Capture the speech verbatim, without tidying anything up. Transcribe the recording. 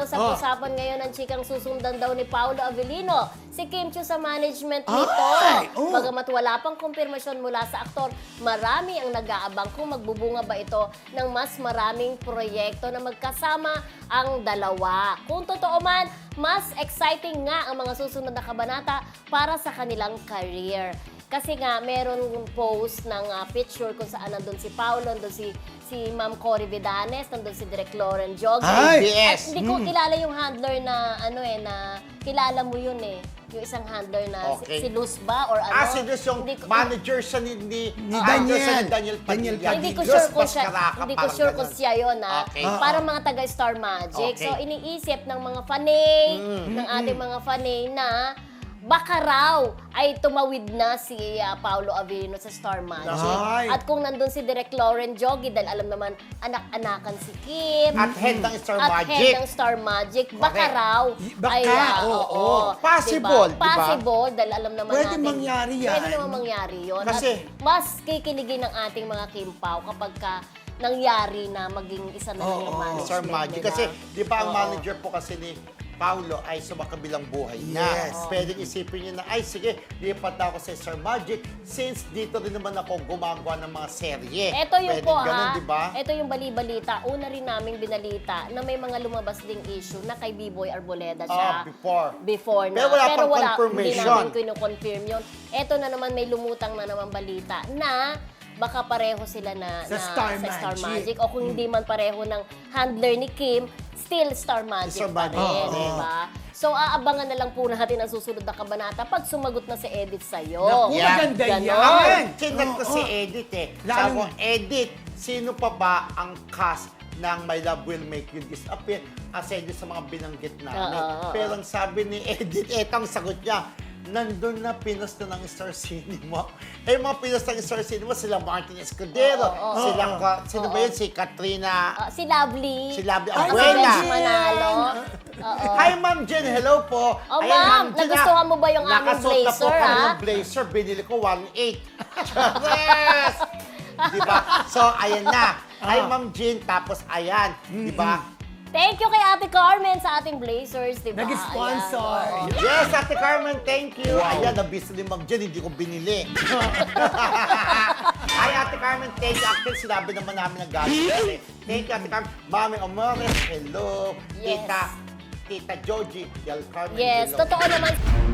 usap-usapan ngayon ang chikang susundan daw ni Paolo Avellino si Kim Chiu sa management nito. Ay, oh. Bagamat wala pang kumpirmasyon mula sa aktor, marami ang nag-aabang kung magbubunga ba ito ng mas maraming proyekto na magkasama ang dalawa. Kung totoo man, mas exciting nga ang mga susunod na kabanata para sa kanilang career. Kasi nga, meron post ng uh, picture kung saan nandun si Paolo, nandun si, si Ma'am Cory Vidanes, nandun si Direk Lauren Jog. Ay! At hindi ko kilala yung handler na, ano eh, na kilala mo yun eh. Yung isang handler na Okay. si, si Luz ba or ano? Ah, si Luz yung Hindi ko- manager siya ni, ni, Ni ah, Daniel. siya ni Daniel Daniel Padilla. Hindi ko Luz sure kung siya, Mascaraca, hindi ko parang sure kung ganun. siya yun, ha? Okay. Parang mga taga Star Magic. Okay. So, iniisip ng mga fanay, ng ating mga fanay na baka raw ay tumawid na si uh, Paolo Avellino sa Star Magic. Ay. At kung nandun si Direk Lauren Jogi, dahil alam naman, anak-anakan si Kim. At head ng Star at Magic. head ng Star Magic, baka Correct. raw. Y- baka, ay, ah, oo, oo. oo. Possible, Diba? diba? Possible, dahil alam naman Pwede natin. mangyari yan. Pwede naman mangyari yun. Kasi- At mas kikiligin ng ating mga Kim Pao kapag ka nangyari na maging isa na lang Oo, yung oo. management Star Magic. nila. Kasi, di ba ang Oo. manager po kasi ni Paolo ay sumakabilang buhay na. Yes. Pwedeng isipin niya na, ay sige, lipat na ako sa Star Magic since dito rin naman ako gumagawa ng mga serye. Ito yung Pwedeng po ganun, ha, di ba? ito yung bali-balita. Una rin naming binalita na may mga lumabas ding issue na kay B-Boy Arboleda siya. Ah, before. Before na. Pero wala pang Hindi confirmation. namin kino-confirm yun. Ito na naman may lumutang na naman balita na baka pareho sila na, Sa na Star sa Star Magic. Magic. O kung hindi man pareho ng handler ni Kim, still Star Magic Star pa Magic. rin, Oo. di ba? So, aabangan na lang po natin ang susunod na kabanata pag sumagot na si Edith sa'yo. Naku, Yeah. maganda Ganon. yan. Amen! Chinat ko Oo, si oo. Edith eh. Lalo Sabi ko, na- Edith, sino pa ba ang cast ng My Love Will Make You Disappear? Kasi yun sa mga binanggit namin. Oo, oo, Pero ang sabi ni Edith, etong sagot niya, nandun na pinas na ng Star Cinema. Eh, yung mga pinas ng Star Cinema, sila Martin Escudero, Oo, oo, sila, oo. ka- sino ba Oo. yun? Si Katrina. Ah, si Lovely. Si Lovely At Abuela. si Benji Manalo. Oo. Hi, Ma'am Jen. Hello po. Oh, Ayan, ma'am, Jen, nagustuhan ah. mo ba yung aming Nakasuot na po blazer, kami ah? ng blazer. Binili ko one eight. Yes! Diba? So, ayan na. Hi, Ma'am Jen. Tapos, ayan. Diba? Thank you kay Ate Carmen sa ating blazers, di ba? Nag-sponsor. Ayan, oo. Yes, Ate Carmen, thank you. Ayan, nabisa ni Ma'am Jen, hindi ko binili. Hi, Ate Carmen, thank you. Actually, sinabi naman namin ng galing. Thank you, Ate Carmen. Mami Amores, hello. Yes. Tita, Tita Joji, Del Carmen, Yes, hello. totoo naman.